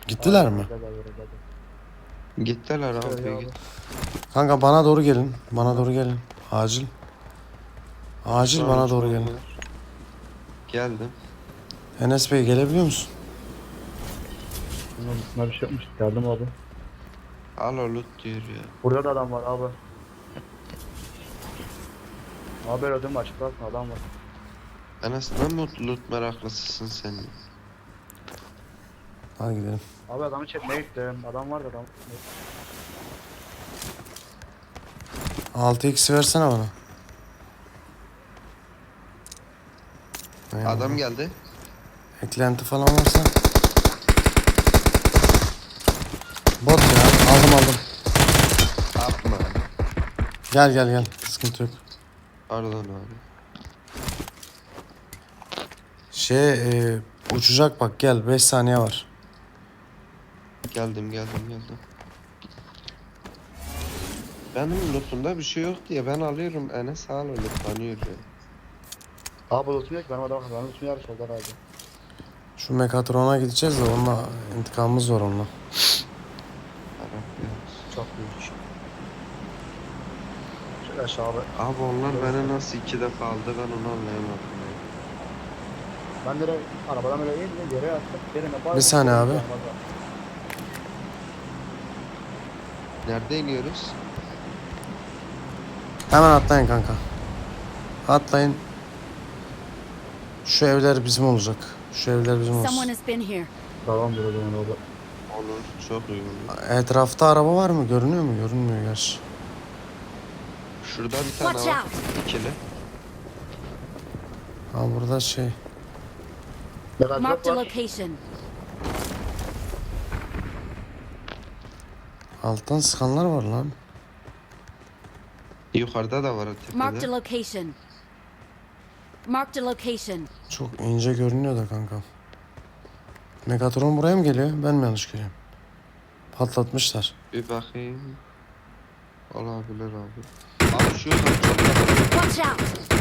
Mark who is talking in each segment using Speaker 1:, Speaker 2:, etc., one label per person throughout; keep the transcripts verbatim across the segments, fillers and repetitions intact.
Speaker 1: Gittiler mi?
Speaker 2: Gittiler abi,
Speaker 3: Şöyle
Speaker 2: git.
Speaker 1: Kanka bana doğru gelin. Bana doğru gelin. Acil. Acil
Speaker 2: Sonra
Speaker 1: bana doğru
Speaker 2: uçmam
Speaker 1: gelin.
Speaker 2: var. Geldim.
Speaker 1: Enes Bey gelebiliyor musun?
Speaker 3: Bunun üstüne bir şey yapmış. Geldim abi.
Speaker 2: Al o loot diyor ya.
Speaker 3: Burada da adam var abi. Abi ödüm açıklarsın adam var.
Speaker 2: Enes ne mutlu loot meraklısısın sen.
Speaker 1: Hadi gidelim.
Speaker 3: Abi adamı çekmeye gittim. Adam var da adam.
Speaker 1: altı x versene bana. Eyvallah.
Speaker 2: Adam geldi.
Speaker 1: Eklenti falan varsa. Bot ya. Aldım aldım.
Speaker 2: Atma.
Speaker 1: Gel gel gel. Sıkıntı yok.
Speaker 2: Pardon abi.
Speaker 1: Şey e, uçacak bak gel. beş saniye var.
Speaker 2: Geldim geldim geldim. Benim lootumda bir şey yok diye ben alıyorum. Enes al o lootlanıyor ya.
Speaker 3: Abi lootum yok. Benim adam var. Benim lootum yarış oldu herhalde.
Speaker 1: Şu Mekatron'a gideceğiz de onunla intikamımız var onunla.
Speaker 2: Arap ya.
Speaker 3: Çok büyük. Şöyle aşağı abi.
Speaker 2: Abi onlar beni nasıl iki defa aldı ben onu anlayamadım ya.
Speaker 3: Ben direkt arabadan öyle indim. Yere yattım. Yerine
Speaker 1: Bir saniye abi.
Speaker 2: Nerede iniyoruz?
Speaker 1: Hemen atlayın kanka. Atlayın. Şu evler bizim olacak. Şu evler bizim
Speaker 4: Someone
Speaker 1: olsun.
Speaker 4: has been here.
Speaker 3: Tamam bir o zaman orada.
Speaker 2: Olur. Çok iyi olur.
Speaker 1: Etrafta araba var mı? Görünüyor mu? Görünmüyor gerçi.
Speaker 2: Şurada bir tane
Speaker 4: Watch
Speaker 2: var.
Speaker 4: out.
Speaker 2: İkili.
Speaker 1: Ha burada şey.
Speaker 3: Ne kadar
Speaker 4: Marked a
Speaker 3: var?
Speaker 4: location.
Speaker 1: Alttan sıkanlar var lan.
Speaker 2: Yukarıda da var
Speaker 4: Marked a
Speaker 2: tepede.
Speaker 4: location. Marked a location.
Speaker 1: Çok ince görünüyor da kanka. Megatron buraya mı geliyor? Ben mi yanlış görüyorum? Patlatmışlar.
Speaker 2: Bir bakayım. Olabilir abi. Abi şu yukarı çok yakın.
Speaker 4: Watch out.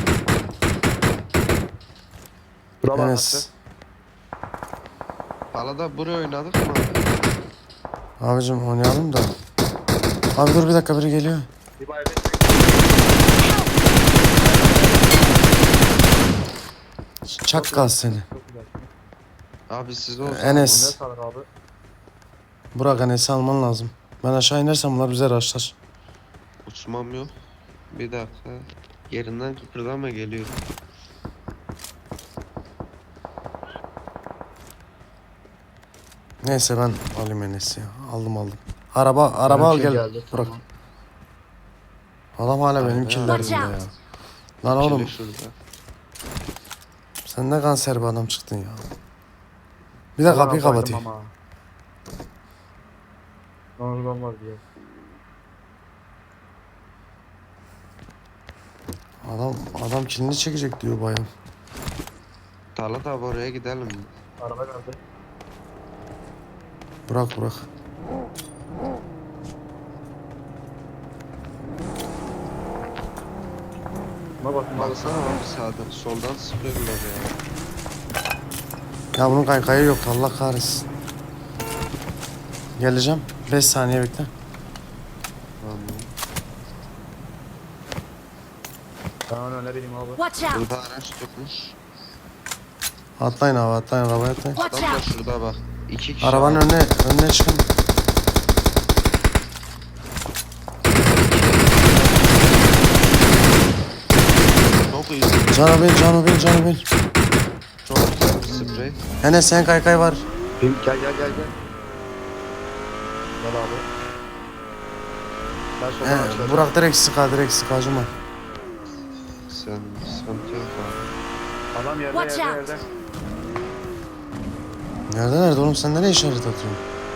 Speaker 3: Bura bak
Speaker 1: Enes.
Speaker 2: Palada buraya oynadık mı abi?
Speaker 1: Abicim oynayalım da. Abi dur bir dakika biri geliyor.
Speaker 3: Bir bayrağı.
Speaker 1: Çakkal seni.
Speaker 3: Çok güzel.
Speaker 2: Abi siz olsun.
Speaker 1: Enes.
Speaker 3: Ne sağlık abi?
Speaker 1: Burak Enes'i alman lazım. Ben aşağı inersem bunlar bize raşlar.
Speaker 2: Uçmam yok. Bir dakika. Yerinden kıpırdama geliyor.
Speaker 1: Neyse ben alayım Enes'i ya. Aldım aldım. Araba araba al
Speaker 3: Benimki
Speaker 1: gel.
Speaker 3: geldi,
Speaker 1: Bırak.
Speaker 3: tamam.
Speaker 1: Adam hala benim
Speaker 2: Aynen.
Speaker 1: killerdinde
Speaker 4: Watch
Speaker 1: ya.
Speaker 4: out.
Speaker 1: Lan oğlum
Speaker 2: İkili şurada.
Speaker 1: sen ne kanser bir adam çıktın ya. Bir de
Speaker 3: Ulan
Speaker 1: kapıyı
Speaker 3: baydım
Speaker 1: kapatayım.
Speaker 3: ama. Oradan var diye.
Speaker 1: Adam adam kilini çekecek diyor bayan.
Speaker 2: Talat abi oraya gidelim.
Speaker 3: Araba geldi.
Speaker 1: Bırak bırak.
Speaker 3: Buna bakın abi.
Speaker 2: Baksana abi sağdan soldan sıkıyorlar ya.
Speaker 1: Ya bunun kaykayı yok Allah kahretsin. Geleceğim. beş saniye bekle.
Speaker 2: Tamam.
Speaker 3: Ben onu önereyim abi.
Speaker 4: Watch out.
Speaker 2: Burada araç tutmuş.
Speaker 1: Atlayın abi atlayın arabaya atlayın.
Speaker 4: Watch
Speaker 2: Adam da
Speaker 4: out.
Speaker 2: şurada bak. İki kişi.
Speaker 1: Arabanın
Speaker 2: abi.
Speaker 1: önüne önüne çıkın.
Speaker 2: Çok iyi.
Speaker 1: Canı bil canı bil canı bil.
Speaker 2: Çok güzel bir sprey.
Speaker 1: Enes sen kaykay var.
Speaker 3: Film gel gel gel gel. Gel abi. Ben soldan
Speaker 1: He,
Speaker 3: açıyorum.
Speaker 1: Burak direkt sıka direkt sık acıma.
Speaker 2: Sen sıkıntı yok abi.
Speaker 3: Adam yerde
Speaker 4: Watch
Speaker 3: yerde
Speaker 4: out.
Speaker 3: yerde.
Speaker 1: Nerede nerede oğlum sen nereye işaret atıyorsun?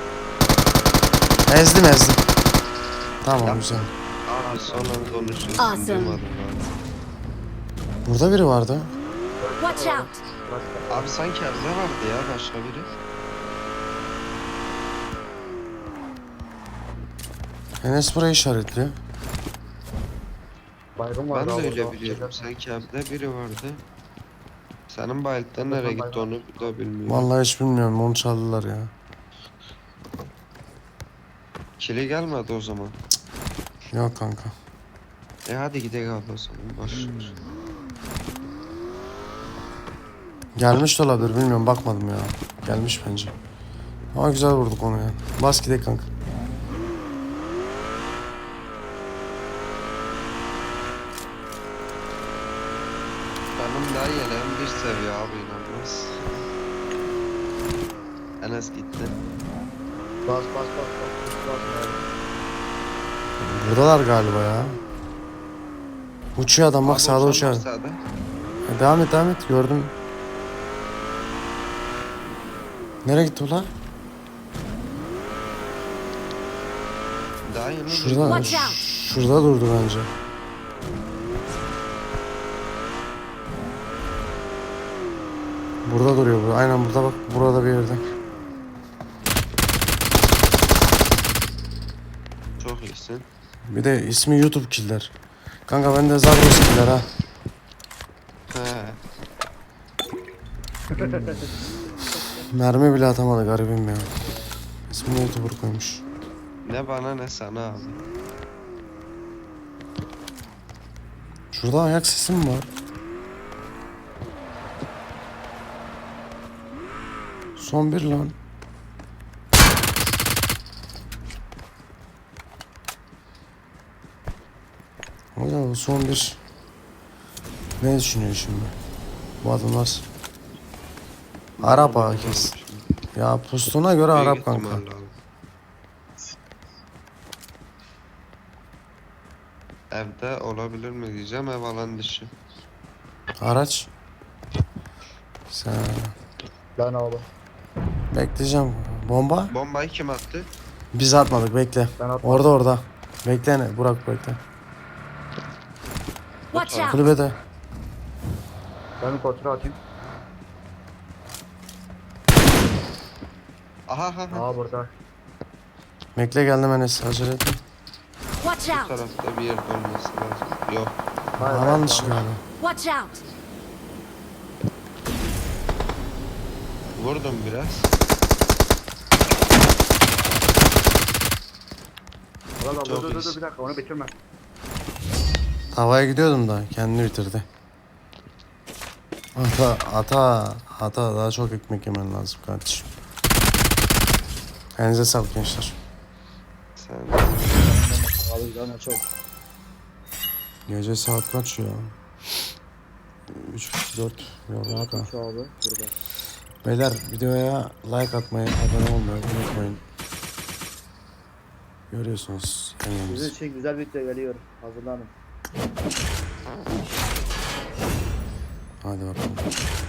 Speaker 1: Ezdim ezdim. Tamam
Speaker 2: Yap.
Speaker 1: güzel.
Speaker 2: Abi son an konuşuyorsun.
Speaker 4: Awesome.
Speaker 2: Duymadım abi.
Speaker 1: Burada biri vardı.
Speaker 4: Watch out.
Speaker 3: Bırak.
Speaker 2: Abi sanki evde vardı ya başka biri.
Speaker 1: Enes burayı işaretliyor.
Speaker 3: Baygın var
Speaker 2: Ben de
Speaker 3: abi
Speaker 2: öyle
Speaker 3: orada.
Speaker 2: biliyorum. Sanki evde biri vardı. Senin bayılttan nereye gitti onu da bilmiyorum.
Speaker 1: Vallahi hiç bilmiyorum onu çaldılar ya.
Speaker 2: Kili gelmedi o zaman.
Speaker 1: Yok kanka.
Speaker 2: E hadi gidelim abi o zaman. Boş ver.
Speaker 1: Gelmiş de olabilir bilmiyorum bakmadım ya. Gelmiş bence. Ama güzel vurduk onu yani. Bas gidelim kanka.
Speaker 2: Benim daha yeleğim bir seviye abi inanmaz. Enes gitti.
Speaker 3: Bas bas bas bas. Bas bas.
Speaker 1: Buradalar galiba ya. Uçuyor adam bak
Speaker 2: Abi
Speaker 1: sağda
Speaker 2: uçan
Speaker 1: uçuyor.
Speaker 2: var sağda.
Speaker 1: E, devam et devam et gördüm. Nereye gitti ulan?
Speaker 2: Daha yeni
Speaker 1: Şurada,
Speaker 4: Watch out.
Speaker 1: şurada durdu bence. Burada duruyor bu. Aynen burada bak. Burada bir yerde.
Speaker 2: Çok iyisin.
Speaker 1: Bir de ismi YouTube Killer. Kanka bende Zagros Killer ha.
Speaker 2: He.
Speaker 1: Mermi bile atamadı garibim ya. İsmini YouTuber koymuş.
Speaker 2: Ne bana ne sana abi.
Speaker 1: Şurada ayak sesi mi var? Son bir lan. Hocam son bir. Ne düşünüyor şimdi? Bu adamlar. Arap ha kes. Ya pustuna göre
Speaker 2: Büyük
Speaker 1: Arap kanka.
Speaker 2: ihtimalle abi. Evde olabilir mi diyeceğim, ev alan dışı.
Speaker 1: Araç. Sen
Speaker 3: Lan abi.
Speaker 1: bekleyeceğim. Bomba?
Speaker 2: Bombayı kim attı?
Speaker 1: Biz atmadık bekle.
Speaker 3: Ben atmadım.
Speaker 1: Orada orada. Bekle ne? Burak bekle.
Speaker 4: Watch out.
Speaker 1: Kulübede.
Speaker 3: Ben bir kontrol atayım.
Speaker 2: Aha aha aha.
Speaker 3: Aa burada.
Speaker 1: Bekle geldim Enes. Acele etme.
Speaker 4: Watch
Speaker 2: Bu
Speaker 4: out.
Speaker 2: tarafta bir yerde olması lazım. Yok.
Speaker 3: Hayır,
Speaker 1: Alan
Speaker 3: hayır,
Speaker 1: dışı
Speaker 3: tamam.
Speaker 1: galiba.
Speaker 4: Watch out.
Speaker 2: Vurdum biraz.
Speaker 3: Valla
Speaker 2: Çok
Speaker 3: dur dur dur
Speaker 2: iyisin.
Speaker 3: bir dakika onu bitirme.
Speaker 1: Havaya gidiyordum da kendini bitirdi. Ata, ata, ata daha çok ekmek yemen lazım kardeşim. Elinize sağlık gençler.
Speaker 2: Sen
Speaker 3: Abi lan çok.
Speaker 1: Gece saat kaç ya? üç dört yorulduk ha.
Speaker 3: Şu abi burada.
Speaker 1: Beyler videoya like atmayı, abone olmayı unutmayın. Görüyorsunuz
Speaker 3: Sizin
Speaker 1: emeğimizi.
Speaker 3: için güzel bir video geliyor. Hazırlanın.
Speaker 1: Hadi bakalım.